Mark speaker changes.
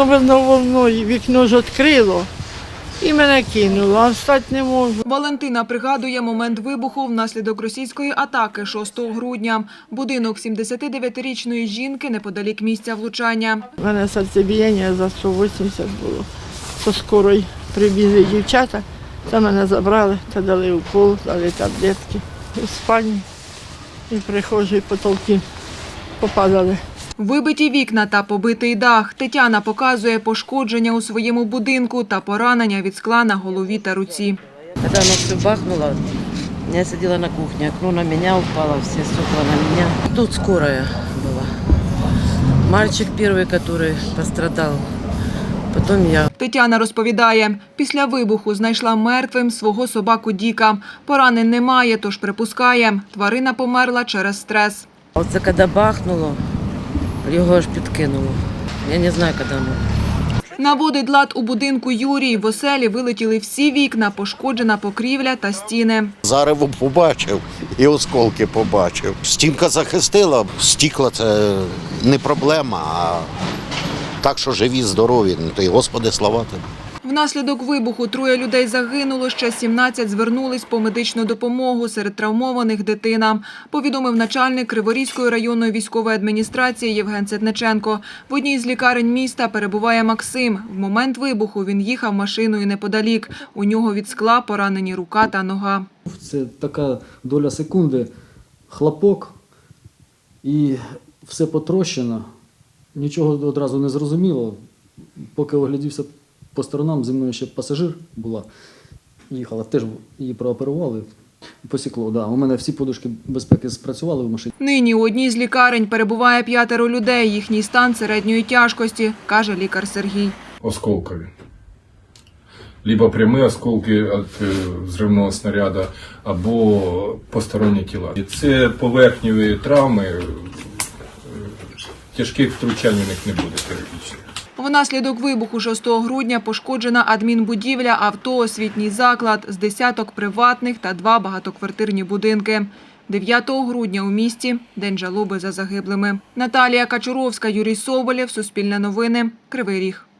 Speaker 1: воно волною, вікно ж відкрило і мене кинуло, а встати не можу.
Speaker 2: Валентина пригадує момент вибуху внаслідок російської атаки 6 грудня. Будинок 79-річної жінки неподалік місця влучання.
Speaker 1: У мене серцебіяння за 180 було. Со скорої прибігли дівчата, та мене забрали, та дали укол, дали таблетки. У спальні і прихожі потолки попадали.
Speaker 2: Вибиті вікна та побитий дах. Тетяна показує пошкодження у своєму будинку та поранення від скла на голові та руці.
Speaker 3: Когда оно все бахнуло, я сидела на кухне, окно на меня упало, все стекла на меня. Тут скорая была. Мальчик первый, который пострадал, потом я.
Speaker 2: Тетяна розповідає, після вибуху знайшла мертвим свого собаку Діка. Поранень немає, тож припускає, тварина померла через стрес.
Speaker 3: Оце коли бахнуло, його аж підкинуло. Я не знаю, коли воно.
Speaker 2: Наводить лад у будинку Юрій. В оселі вилетіли всі вікна, пошкоджена покрівля та стіни.
Speaker 4: Зарево побачив і осколки побачив. Стінка захистила, стікла – це не проблема, а так, що живі, здорові, то й Господи слава тобі.
Speaker 2: Внаслідок вибуху 3 людей загинуло, ще 17 звернулись по медичну допомогу, серед травмованих дитина, повідомив начальник Криворізької районної військової адміністрації Євген Ситниченко. В одній з лікарень міста перебуває Максим. В момент вибуху він їхав машиною неподалік. У нього від скла поранені рука та нога.
Speaker 5: Це така доля секунди, хлопок і все потрощено. Нічого одразу не зрозуміло. Поки оглядівся по сторонам, зі мною ще пасажир була, їхала, теж її прооперували, посікло. Да. У мене всі подушки безпеки спрацювали в машині.
Speaker 2: Нині у одній з лікарень перебуває 5 людей. Їхній стан середньої тяжкості, каже лікар Сергій.
Speaker 6: Осколкові. Либо прямі осколки від взривного снаряду, або посторонні тіла. Це поверхневі травми, тяжких втручань у них не буде хірургічних.
Speaker 2: Внаслідок вибуху 6 грудня пошкоджена адмінбудівля, авто, освітній заклад, з десяток приватних та 2 багатоквартирні будинки. 9 грудня у місті – День жалоби за загиблими. Наталія Качуровська, Юрій Соболєв, Суспільне новини, Кривий Ріг.